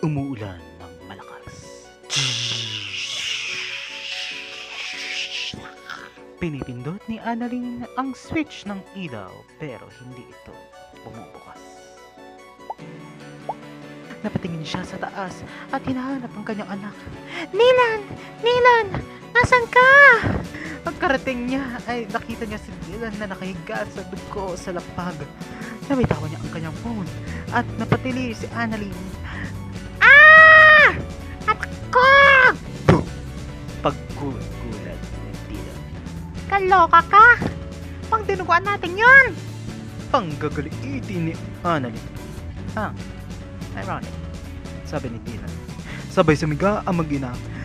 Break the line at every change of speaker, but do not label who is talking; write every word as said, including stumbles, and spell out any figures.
Umuulan ng malakas. Pinipindot ni Annalyn ang switch ng ilaw pero hindi ito bumubukas. Napatingin siya sa taas at hinahanap ang kanyang anak. Nilan! Nilan! Nasaan ka? Pagkarating niya ay nakita niya si Nilan na nakahiga sa dugo sa lapag. Nabitawan niya ang kanyang phone at napatili si Annalyn. Ah! Ako! Paggulat-gulat ni Nilan. Kaloka ka! Pang dinuguan natin yun! Panggagaliitin ni Annalyn. Ah, ironic, sabi ni Dylan. Sabay sumiga ang mag-ina